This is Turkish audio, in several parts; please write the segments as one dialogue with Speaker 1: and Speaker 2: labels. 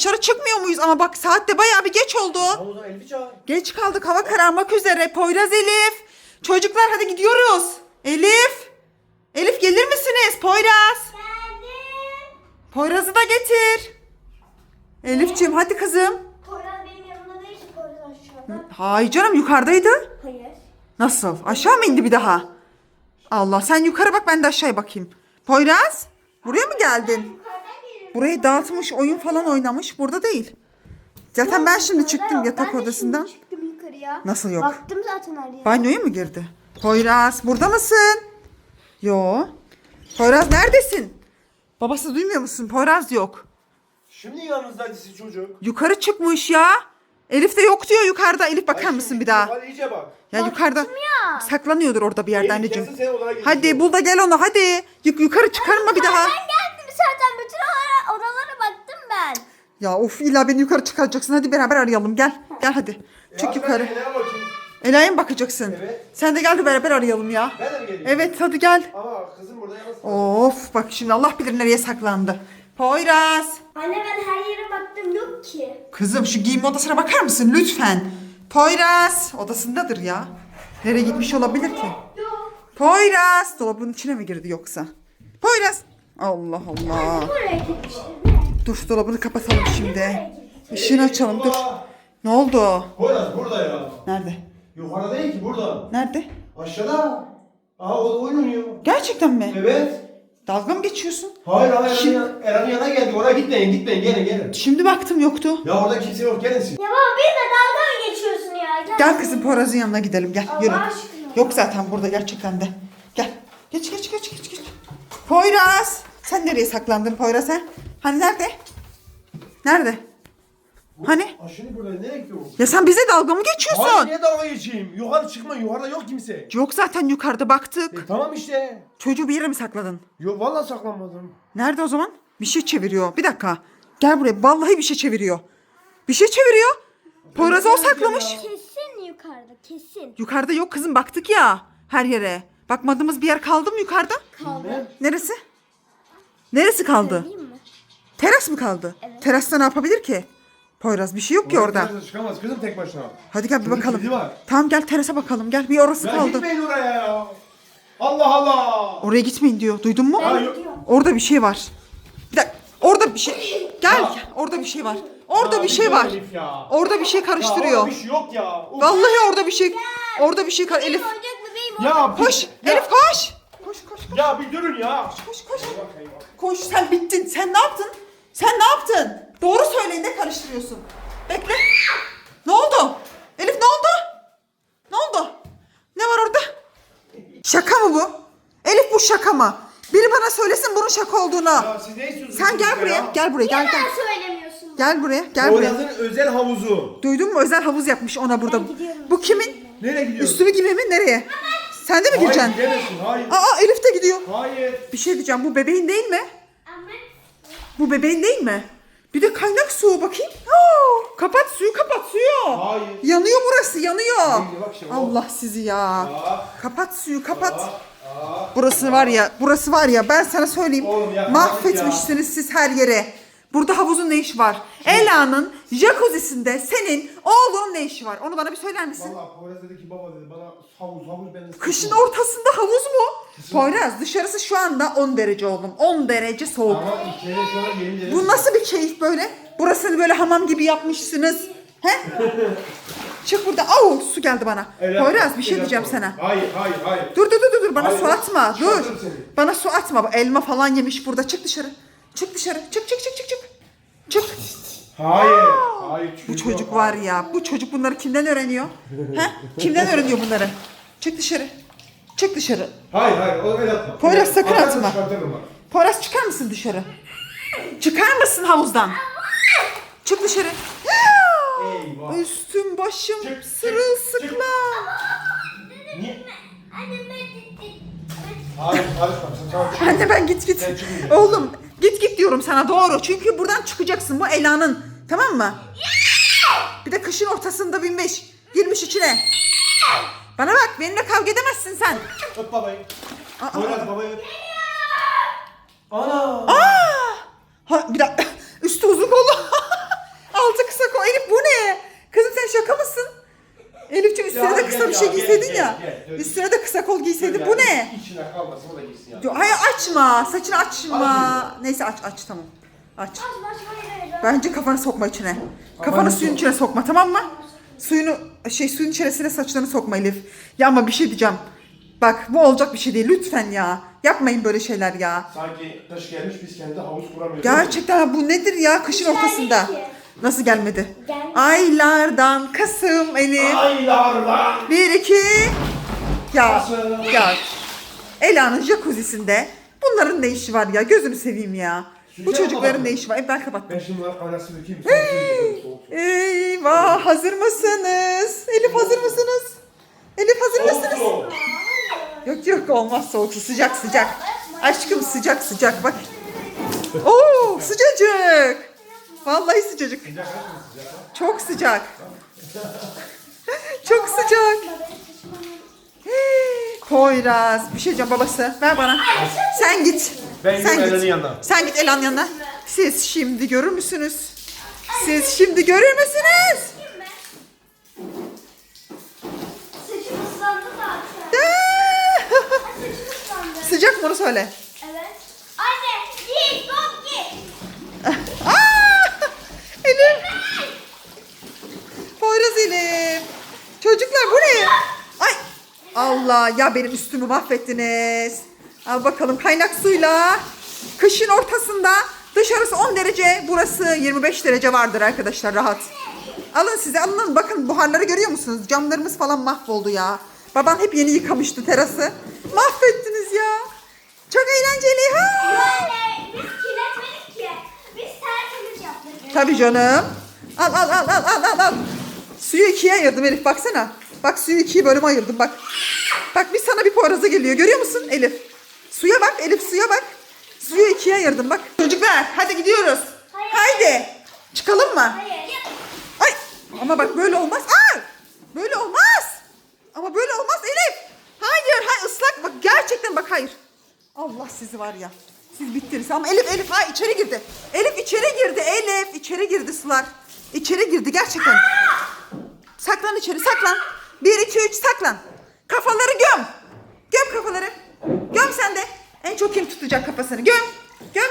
Speaker 1: dışarı çıkmıyor muyuz? Ama bak saat de bayağı bir geç oldu.
Speaker 2: Havuzdan Elif'i çağır.
Speaker 1: Geç kaldık, hava kararmak üzere. Poyraz, Elif. Çocuklar hadi gidiyoruz. Elif. Elif gelir misiniz? Poyraz.
Speaker 3: Geldim.
Speaker 1: Poyraz'ı da getir. Elifciğim hadi kızım.
Speaker 3: Poyraz benim yanımda değil ki, Poyraz aşağıda.
Speaker 1: Hayır canım, yukarıdaydı.
Speaker 3: Hayır.
Speaker 1: Nasıl? Aşağı mı indi bir daha? Allah, sen yukarı bak, ben de aşağıya bakayım. Poyraz, buraya mı geldin?
Speaker 3: Yukarıdan geliyorum.
Speaker 1: Burayı dağıtmış, oyun falan oynamış. Burada değil. Zaten ben şimdi çıktım yatak odasından.
Speaker 3: Ben de şimdi çıktım yukarıya.
Speaker 1: Nasıl yok?
Speaker 3: Baktım zaten her yere.
Speaker 1: Banyoya mı girdi? Poyraz, burada mısın? Yo. Poyraz neredesin? Babası duymuyor musun? Poyraz yok.
Speaker 2: Şimdi yanınızdaydı siz çocuk.
Speaker 1: Yukarı çıkmış ya. Elif de yok diyor yukarıda. Elif bakar mısın bir daha?
Speaker 2: Hadi iyice bak.
Speaker 1: Ya yukarıda saklanıyordur orada bir yerde
Speaker 2: Elif
Speaker 1: anneciğim.
Speaker 2: gelsin, sen odana gir.
Speaker 1: Hadi bul da gel onu hadi. Yukarı çıkarma bir daha.
Speaker 3: Ben geldim zaten. Bütün odalara baktım ben.
Speaker 1: Ya of, illa beni yukarı çıkaracaksın. Hadi beraber arayalım, gel. Gel hadi. Çık
Speaker 2: Ya
Speaker 1: yukarı.
Speaker 2: ben Ela'ya bakayım.
Speaker 1: Ela'ya mı bakacaksın?
Speaker 2: Evet.
Speaker 1: Sen de gel de beraber arayalım ya.
Speaker 2: Ben de mi geleyim?
Speaker 1: Evet hadi gel.
Speaker 2: Ama kızım burada yalnız.
Speaker 1: Of bak şimdi Allah bilir nereye saklandı. Poyraz.
Speaker 3: Anne ben her yere baktım, yok ki.
Speaker 1: Kızım şu giyinme odasına bakar mısın lütfen? Poyraz odasındadır ya. Nereye gitmiş olabilir ki?
Speaker 3: Yok.
Speaker 1: Poyraz dolabın içine mi girdi yoksa? Poyraz. Allah Allah.
Speaker 3: Buraya gitmiştir. Ne?
Speaker 1: Dur dolabını kapatalım şimdi. Işığını açalım dur. Ne oldu?
Speaker 2: Poyraz burada ya.
Speaker 1: Nerede?
Speaker 2: Yukarıda değil ki, burada.
Speaker 1: Nerede?
Speaker 2: Aşağıda. Aha o oyun oynuyor.
Speaker 1: Gerçekten mi?
Speaker 2: Evet.
Speaker 1: Dalga mı geçiyorsun?
Speaker 2: Hayır hayır,
Speaker 1: Şimdi-
Speaker 2: Eren'in yanına geldik. Oraya gitmeyin gelin.
Speaker 1: Şimdi baktım yoktu.
Speaker 2: Ya orada kimse yok, gelin siz.
Speaker 3: Ya baba bir de dalga mı geçiyorsun ya?
Speaker 1: Gel kızım Poyraz'ın yanına gidelim gel
Speaker 3: Allah
Speaker 1: yürü.
Speaker 3: aşkına.
Speaker 1: Yok zaten burada gerçekten de. Gel. Geç. Poyraz. Sen nereye saklandın Poyraz ha? Hani nerede? Nerede? Hani?
Speaker 2: Aşırı burada nereye gidiyorsun?
Speaker 1: Ya sen bize dalga mı
Speaker 2: Hayır,
Speaker 1: geçiyorsun?
Speaker 2: niye dalga geçeyim? Yukarı çıkma, yukarıda yok kimse.
Speaker 1: Yok zaten yukarıda baktık.
Speaker 2: Tamam işte.
Speaker 1: Çocuğu bir yere mi sakladın?
Speaker 2: Yok vallahi saklanmadım.
Speaker 1: Nerede o zaman? Bir şey çeviriyor. Bir dakika. Gel buraya. Vallahi bir şey çeviriyor. Bir şey çeviriyor. Poyraz'ı o saklamış.
Speaker 3: Kesin yukarıda, kesin.
Speaker 1: Yukarıda yok kızım, baktık ya her yere. Bakmadığımız bir yer kaldı mı yukarıda?
Speaker 3: Kaldı.
Speaker 1: Neresi? Neresi kaldı?
Speaker 3: Söyleyeyim mi?
Speaker 1: Teras mı kaldı?
Speaker 3: Evet.
Speaker 1: Terasta ne yapabilir ki? Poyraz bir şey yok ki orada.
Speaker 2: Oraya çıkamaz kızım tek başına.
Speaker 1: Hadi gel bir
Speaker 2: Bunun
Speaker 1: bakalım.
Speaker 2: kilidi var.
Speaker 1: Tamam gel terasa bakalım. Gel bir orası
Speaker 2: Ya
Speaker 1: kaldı.
Speaker 2: gitmeyin oraya ya. Allah Allah.
Speaker 1: Oraya gitmeyin diyor. Duydun mu?
Speaker 2: Hayır.
Speaker 1: Orada bir şey var. Bir dakika. Orada bir şey. Gel.
Speaker 2: Ya.
Speaker 1: Orada bir şey var. Orada
Speaker 2: Ya
Speaker 1: bir şey
Speaker 2: dur
Speaker 1: var.
Speaker 2: Elif ya.
Speaker 1: Orada bir şey
Speaker 2: Ya
Speaker 1: karıştırıyor.
Speaker 2: orada bir şey yok ya. Uf.
Speaker 1: Vallahi orada bir şey. Orada bir şey Elif.
Speaker 3: Benim oyuncak bebeğim o.
Speaker 2: Ya
Speaker 1: Koş.
Speaker 2: ya,
Speaker 1: Elif koş. Koş.
Speaker 2: Ya bir durun ya.
Speaker 1: Koş. Koş sen bittin. Sen ne yaptın? Sen ne yaptın? Doğru söyleyin, ne karıştırıyorsun? Bekle. Ne oldu? Elif ne oldu? Ne oldu? Ne var orada? Şaka mı bu? Elif bu şaka mı? Biri bana söylesin bunun şaka olduğunu.
Speaker 2: Ya siz ne istiyorsunuz?
Speaker 1: Sen gel
Speaker 2: ya?
Speaker 1: buraya. Gel buraya. Gel.
Speaker 3: Neden söylemiyorsun?
Speaker 1: Gel buraya. Gel buraya.
Speaker 2: Poyraz'ın özel havuzu.
Speaker 1: Duydun mu? Özel havuz yapmış ona burada.
Speaker 3: Ben gidiyorum.
Speaker 1: Bu kimin?
Speaker 2: Nereye gidiyorsun?
Speaker 1: Üstümü gibi mi? Nereye? Sen de mi
Speaker 2: Hayır
Speaker 1: gireceksin?
Speaker 2: gidemezsin. Hayır.
Speaker 1: Aa Elif de gidiyor.
Speaker 2: Hayır.
Speaker 1: Bir şey diyeceğim. Bu bebeğin değil mi?
Speaker 3: Ama
Speaker 1: Bu bebeğin değil mi? Bir de kaynak su bakayım. Aa, kapat suyu, kapat suyu.
Speaker 2: Hayır.
Speaker 1: Yanıyor burası, yanıyor.
Speaker 2: Hayır, bak şimdi,
Speaker 1: Allah sizi ya.
Speaker 2: Aa.
Speaker 1: Kapat suyu, kapat. Burası var ya ben sana söyleyeyim.
Speaker 2: Oğlum ya,
Speaker 1: Mahvetmişsiniz siz her yere. Burada havuzun ne işi var? Ela'nın jacuzzi'sinde senin oğlunun ne işi var? Onu bana bir söyler misin?
Speaker 2: Valla Poyraz dedi ki baba dedi bana havuz ben de
Speaker 1: Kışın ortasında havuz mu? Poyraz dışarısı şu anda 10 derece oğlum. 10 derece soğuk.
Speaker 2: Ama içeri şu an yeni derece.
Speaker 1: Bu nasıl bir keyif böyle? Burasını böyle hamam gibi yapmışsınız. He? Çık burada. Au su geldi bana.
Speaker 2: Evet,
Speaker 1: Poyraz bir şey
Speaker 2: evet,
Speaker 1: diyeceğim
Speaker 2: evet.
Speaker 1: sana.
Speaker 2: Hayır.
Speaker 1: Dur bana
Speaker 2: Hayır,
Speaker 1: su atma. Dur.
Speaker 2: çıkartırım seni.
Speaker 1: Bana su atma. Bu elma falan yemiş burada. Çık dışarı. Çık. Çık.
Speaker 2: Hayır.
Speaker 1: Bu çocuk var ya. Bu çocuk bunları kimden öğreniyor? He? Kimden öğreniyor bunları? Çık dışarı.
Speaker 2: Hayır o öyle yapma.
Speaker 1: Poyraz, sakın
Speaker 2: Atarsan
Speaker 1: atma.
Speaker 2: çıkartırım bak.
Speaker 1: Poyraz çıkar mısın dışarı? Çıkar mısın havuzdan? Çık dışarı.
Speaker 2: Eyvah.
Speaker 1: Üstüm başım
Speaker 2: Çık.
Speaker 1: sırılsıklam.
Speaker 2: Niye?
Speaker 3: anne ben
Speaker 2: Hayır karışma sen tamam çık.
Speaker 1: Anne ben git.
Speaker 2: Sen çıkın.
Speaker 1: Oğlum git diyorum sana doğru. Çünkü buradan çıkacaksın bu Ela'nın. Tamam mı? Bir de kışın ortasında binmiş. Girmiş içine. Bana bak benimle kavga edemezsin sen.
Speaker 2: Öp babayı.
Speaker 1: Aa,
Speaker 2: Poyraz babayı öp. Ana.
Speaker 1: Ha, bir dakika. Üstü uzun kollu. bir şey
Speaker 2: Ya,
Speaker 1: giyseydin
Speaker 2: gel,
Speaker 1: ya.
Speaker 2: gel, gel.
Speaker 1: Üstüne de kısa kol giyseydin. Bu ne?
Speaker 2: İçine kalmasın o da gitsin ya.
Speaker 1: Hayır açma. Saçını açma.
Speaker 2: Açmıyorum.
Speaker 1: Neyse aç tamam. Aç.
Speaker 3: Hayır.
Speaker 1: Bence kafanı sokma içine. Kafanı suyun içine sokma, tamam mı? Suyun içerisine saçlarını sokma Elif. Ya ama bir şey diyeceğim. Bak bu olacak bir şey değil lütfen ya. Yapmayın böyle şeyler ya.
Speaker 2: Sanki kış gelmiş biz kendi havuz kuramıyoruz.
Speaker 1: Gerçekten bu nedir ya kışın ortasında?
Speaker 3: Gelmedi ki.
Speaker 1: Nasıl gelmedi?
Speaker 3: Gelmedi.
Speaker 1: Aylardan Kasım Elif.
Speaker 2: Aylardan.
Speaker 1: 1 2 ya
Speaker 2: Kasım.
Speaker 1: ya. Ela'nın jacuzzi'sinde bunların ne işi var ya? Gözünü seveyim ya. Bu
Speaker 2: Sıcak
Speaker 1: çocukların
Speaker 2: mı?
Speaker 1: ne işi var? Ben kapattım.
Speaker 2: Ben şimdi bunları kaynasını dökeyim. Sonra suyunu soğuk.
Speaker 1: Eyvah hazır mısınız? Elif hazır mısınız? Elif hazır mısınız?
Speaker 2: Soğuk.
Speaker 1: Yok olmaz soğuk su sıcak. Aşkım sıcak bak. Oo sıcacık. Vallahi sıcacık.
Speaker 2: Sıcak mı sıcak mı?
Speaker 1: Çok sıcak. Çok sıcak. Poyraz bir şey diyeceğim babası ver bana. Sen git.
Speaker 2: Ben
Speaker 1: Sen
Speaker 2: gidiyorum
Speaker 1: git.
Speaker 2: Ela'nın yanına.
Speaker 1: Sen git Ela'nın yanına. Siz şimdi görür müsünüz? Siz şimdi görür müsünüz?
Speaker 3: Saçım ıslandı zaten. Saçım ıslandı.
Speaker 1: Sıcak mı onu söyle.
Speaker 3: Evet. Anne git top git.
Speaker 1: Aa! Elif. Poyraz Elif. Çocuklar bu ne? Ay. Allah ya benim üstümü mahvettiniz. Al bakalım kaynak suyla. Kışın ortasında dışarısı 10 derece burası 25 derece vardır arkadaşlar rahat. Alın size alın bakın buharları görüyor musunuz? Camlarımız falan mahvoldu ya. Baban hep yeni yıkamıştı terası. Mahvettiniz ya. Çok eğlenceli ha.
Speaker 3: Böyle biz kirletmedik ki. Biz tertemiz yaptık.
Speaker 1: Tabii canım. Al. Suyu ikiye ayırdım Elif baksana. Bak suyu ikiye bölüme ayırdım bak. Bak bir sana bir poyraza geliyor görüyor musun Elif? Suya bak Elif suya bak. Suyu ikiye ayırdım bak. Çocuklar hadi gidiyoruz.
Speaker 3: Hayır.
Speaker 1: Haydi. Çıkalım mı?
Speaker 3: Hayır.
Speaker 1: Ay ama bak böyle olmaz. Aa! Böyle olmaz. Ama böyle olmaz Elif. Hayır ıslak bak gerçekten bak hayır. Allah sizi var ya. Siz bittiniz ama Elif ha içeri girdi. Elif içeri girdi sular. İçeri girdi gerçekten. Saklan içeri saklan. 1 2 3 saklan. Kafaları göm. Göm kafaları. Göm sen de. En çok kim tutacak kafasını? Göm. Göm.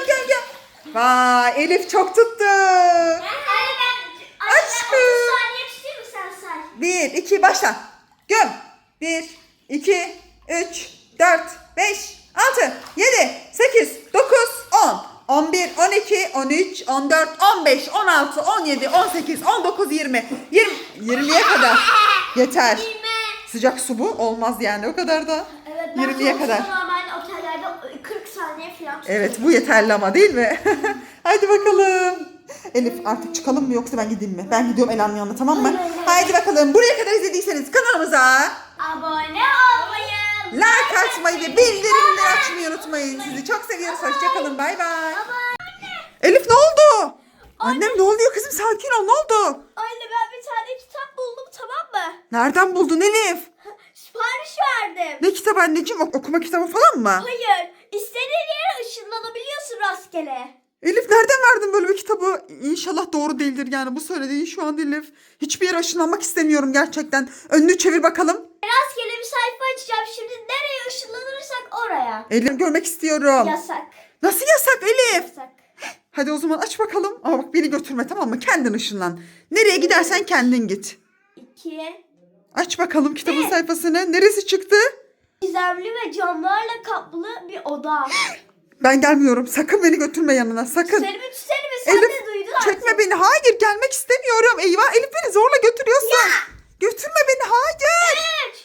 Speaker 1: Vay Elif çok tuttu.
Speaker 3: Anne ben 30
Speaker 1: Aşkım.
Speaker 3: saniye tutayım mı sen say?
Speaker 1: 1 2 başla. Göm. 1 2 3 4 5 6 7 8 9 10 11 12 13 14 15 16 17 18 19 20 20'ye kadar. Yeter. Sıcak su bu. Olmaz yani o kadar da.
Speaker 3: Evet ben
Speaker 1: 20'ye kadar.
Speaker 3: normalde otellerde 40 saniye falan tutuyorum.
Speaker 1: Evet bu yeterli ama değil mi? Hadi bakalım. Elif artık çıkalım mı yoksa ben gideyim mi? Ben gidiyorum Ela'nın yanına tamam mı? Haydi bakalım. Buraya kadar izlediyseniz kanalımıza
Speaker 3: Abone olmayı.
Speaker 1: like atmayı ve bildirimleri açmayı unutmayın. Sizi çok seviyoruz. Hoşçakalın. Bay bay. Elif ne oldu? Annem ne oluyor kızım? Sakin ol. Ne oldu?
Speaker 3: Anne ben bir tane kitap buldum tamam mı?
Speaker 1: Nereden buldun Elif?
Speaker 3: Sipariş verdim.
Speaker 1: Ne kitabı anneciğim? Okuma kitabı falan mı?
Speaker 3: Hayır. İstediğin yere ışınlanabiliyorsun rastgele.
Speaker 1: Elif nereden verdin böyle bir kitabı? İnşallah doğru değildir yani bu söylediğin şu an Elif. Hiçbir yere ışınlanmak istemiyorum gerçekten. Önünü çevir bakalım.
Speaker 3: Rastgele bir sayfa açacağım. Şimdi nereye ışınlanırsak oraya.
Speaker 1: Elif görmek istiyorum.
Speaker 3: Yasak.
Speaker 1: Nasıl yasak Elif?
Speaker 3: Yasak.
Speaker 1: Hadi o zaman aç bakalım. Ama bak beni götürme tamam mı? Kendin ışınlan. Nereye gidersen kendin git.
Speaker 3: 2.
Speaker 1: Aç bakalım kitabın sayfasını. Neresi çıktı?
Speaker 3: Gizemli ve camlarla kaplı bir oda.
Speaker 1: Ben gelmiyorum. Sakın beni götürme yanına. Sakın.
Speaker 3: Seni sen
Speaker 1: Elif
Speaker 3: de duydun artık.
Speaker 1: çekme beni. Hayır gelmek istemiyorum. Eyvah Elif beni zorla götürüyorsun. Götürme beni. Hayır.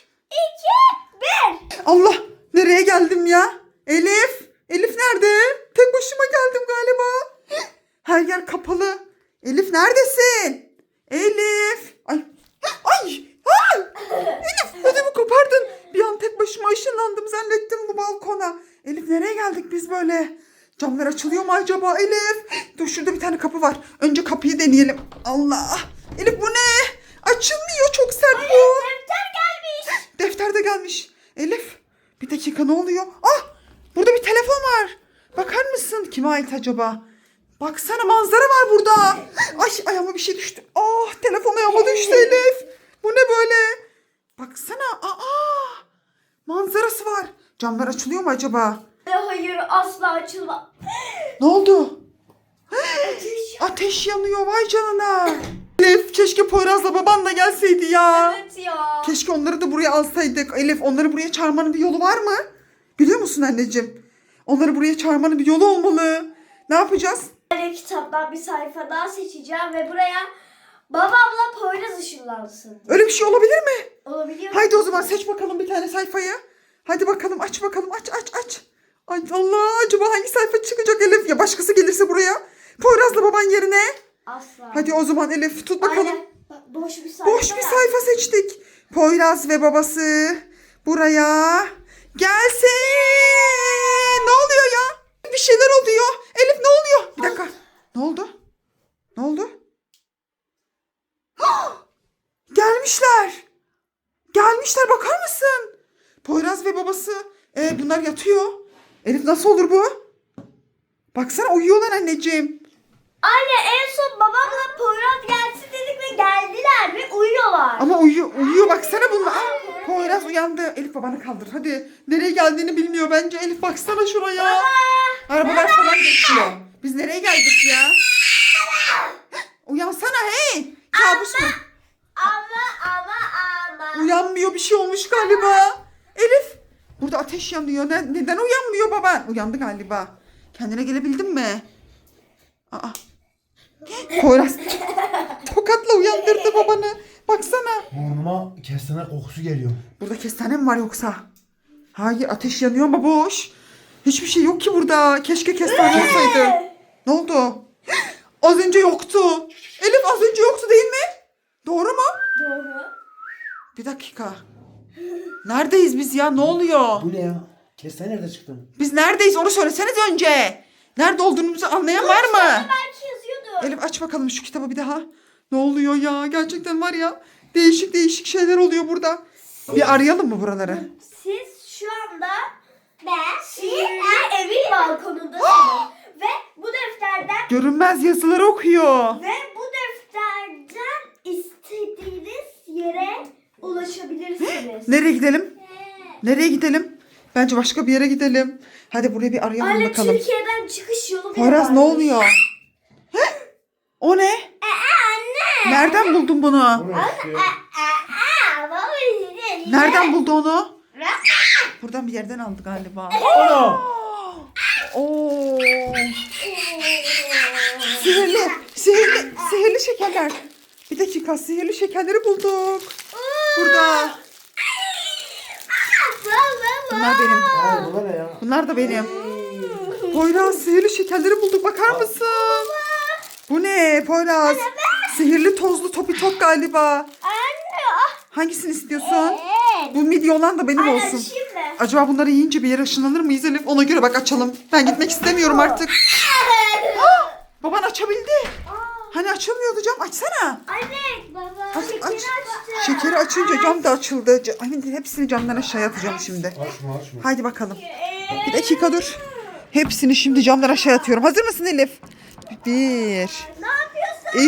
Speaker 3: 3, 2, 1.
Speaker 1: Allah nereye geldim ya? Elif. Elif nerede? Tek başıma geldim galiba. Her yer kapalı. Elif neredesin? Elif. Ay. Ay. Elif ödümü kopardın. Bir an tek başıma ışınlandım zannettim bu balkona. Elif nereye geldik biz böyle? Camlar açılıyor mu acaba Elif? Dur şurada bir tane kapı var. Önce kapıyı deneyelim. Allah. Elif bu ne? Açılmıyor çok sert bu.
Speaker 3: Defter gelmiş.
Speaker 1: Defter de gelmiş. Elif bir dakika ne oluyor? Ah burada bir telefon var. Bakar mısın? Kime ait acaba? Baksana manzara var burada. Ay ayağıma bir şey düştü. Ah telefon ayağıma düştü Elif. Bu ne böyle? Bak Camlar açılıyor mu acaba?
Speaker 3: Hayır asla açılma.
Speaker 1: Ne oldu?
Speaker 3: Ateş.
Speaker 1: Ateş yanıyor vay canına. Elif keşke Poyraz'la baban da gelseydi ya.
Speaker 3: Evet ya.
Speaker 1: Keşke onları da buraya alsaydık. Elif onları buraya çağırmanın bir yolu var mı? Biliyor musun anneciğim? Onları buraya çağırmanın bir yolu olmalı. Ne yapacağız?
Speaker 3: Kitaptan bir sayfa daha seçeceğim ve buraya babamla Poyraz ışınlansın.
Speaker 1: Öyle bir şey olabilir mi?
Speaker 3: Olabiliyor mu?
Speaker 1: Haydi o zaman seç bakalım bir tane sayfayı. Hadi bakalım aç bakalım aç. Ay Allah acaba hangi sayfa çıkacak Elif? Ya başkası gelirse buraya. Poyraz'la baban yerine.
Speaker 3: Asla.
Speaker 1: Hadi o zaman Elif tut bakalım.
Speaker 3: Aynen. Bak, boş bir sayfa.
Speaker 1: Boş bir
Speaker 3: var.
Speaker 1: sayfa seçtik. Poyraz ve babası buraya gelsin. Ne oluyor ya? Bir şeyler oluyor. Elif ne oluyor? Bir dakika. Ne oldu? Ne oldu? Gelmişler. Gelmişler bakar mısın? Poyraz ve babası. Bunlar yatıyor. Elif nasıl olur bu? Baksana uyuyorlar anneciğim.
Speaker 3: Anne en son babamla Poyraz gelsin dedik ve geldiler ve uyuyorlar.
Speaker 1: Ama uyuyor baksana bunlar. Poyraz uyandı. Elif babanı kaldır hadi. Nereye geldiğini bilmiyor bence. Elif baksana şuraya. Arabalar falan geçiyor. Biz nereye geldik ya? Uyansana hey. Kabus mu?
Speaker 3: Ama.
Speaker 1: Uyanmıyor bir şey olmuş galiba. Elif. Burada ateş yanıyor. Neden uyanmıyor baban? Uyandı galiba. Kendine gelebildin mi? Aa. Poyraz tokatla uyandırdı babanı. Baksana.
Speaker 2: Burnuma kestane kokusu geliyor.
Speaker 1: Burada kestane mi var yoksa? Hayır ateş yanıyor ama boş. Hiçbir şey yok ki burada. Keşke kestane olsaydı. Ne oldu? Az önce yoktu. Elif az önce yoktu değil mi? Doğru mu?
Speaker 3: Doğru.
Speaker 1: Bir dakika. Neredeyiz biz ya? Ne oluyor?
Speaker 2: Bu ne ya? Kestane nerede çıktı?
Speaker 1: Biz neredeyiz onu söyleseniz önce. Nerede olduğumuzu anlayan var mı?
Speaker 3: Belki yazıyordu.
Speaker 1: Elif aç bakalım şu kitabı bir daha. Ne oluyor ya? Gerçekten var ya. Değişik şeyler oluyor burada. Bir arayalım mı buraları?
Speaker 3: Siz şu anda sihirli evin balkonundasınız. Ve bu defterden
Speaker 1: Görünmez yazıları okuyor.
Speaker 3: ve bu defterden istediğiniz yere ulaşabilirsiniz.
Speaker 1: Nereye gidelim? Nereye gidelim? Bence başka bir yere gidelim. Hadi buraya bir arayalım
Speaker 3: Anne
Speaker 1: bakalım.
Speaker 3: Türkiye'den çıkış yolu bile
Speaker 1: Poyraz ne
Speaker 3: varmış.
Speaker 1: oluyor? O ne?
Speaker 3: Anne.
Speaker 1: Nereden buldun bunu?
Speaker 2: Bu ne işte?
Speaker 3: Baba
Speaker 1: Nereden buldu onu? Buradan bir yerden aldı galiba.
Speaker 2: Ana!
Speaker 1: Oo. Sihirli şekerler. Bir dakika sihirli şekerleri bulduk. Burada. Bunlar benim.
Speaker 2: Ay bu ne ya?
Speaker 1: Bunlar da benim. Poyraz sihirli şekerleri bulduk bakar mısın? Bu ne Poyraz? Sihirli tozlu topi top galiba. Hangisini istiyorsun? Bu midye olan da benim olsun.
Speaker 3: Şimdi.
Speaker 1: Acaba bunları yiyince bir yere ışınlanır mıyız Elif? Ona göre bak açalım. Ben gitmek istemiyorum artık. Baban açabildi. Hani açılmıyordu cam açsana.
Speaker 3: Anne baba.
Speaker 1: Aç,
Speaker 3: şekeri
Speaker 1: aç.
Speaker 3: açtı.
Speaker 1: Şekeri açınca cam da açıldı. Ay, hepsini camdan aşağıya atacağım şimdi.
Speaker 2: Açma.
Speaker 1: Haydi bakalım. Bir dakika dur. Hepsini şimdi camdan aşağıya atıyorum. Hazır mısın Elif? 1,
Speaker 3: Ne yapıyorsun?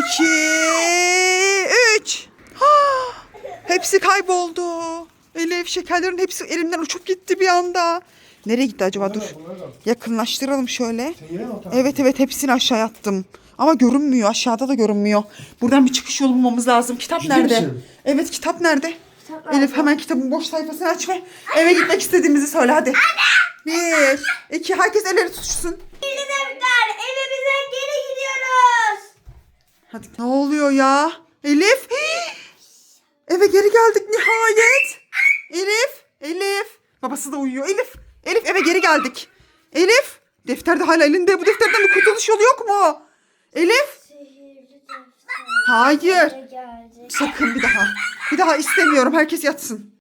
Speaker 1: 2, 3. Hepsi kayboldu. Elif şekerlerin hepsi elimden uçup gitti bir anda. Nereye gitti acaba dur. Yakınlaştıralım şöyle.
Speaker 2: Sen yine mi o tarafa?
Speaker 1: Evet hepsini aşağıya attım. Ama görünmüyor. Aşağıda da görünmyor. Buradan bir çıkış yolu bulmamız lazım. Kitap
Speaker 2: Ciddi
Speaker 1: nerede?
Speaker 2: misin?
Speaker 1: Evet kitap nerede?
Speaker 3: Kitap
Speaker 1: Elif hemen kitabın boş sayfasını aç ve eve gitmek istediğimizi söyle hadi. 1, 2 herkes elleri tutuşsun.
Speaker 3: Sihirli defter. Evimize geri gidiyoruz.
Speaker 1: Hadi ne oluyor ya? Elif. Eve geri geldik nihayet. Elif. Babası da uyuyor. Elif eve geri geldik. Elif. Defter de hala elinde. Bu defterden bir kurtuluş yolu yok mu? Elif.
Speaker 3: Sihirli defter.
Speaker 1: Hayır.
Speaker 3: Geldi.
Speaker 1: Sakın bir daha. Bir daha istemiyorum. Herkes yatsın.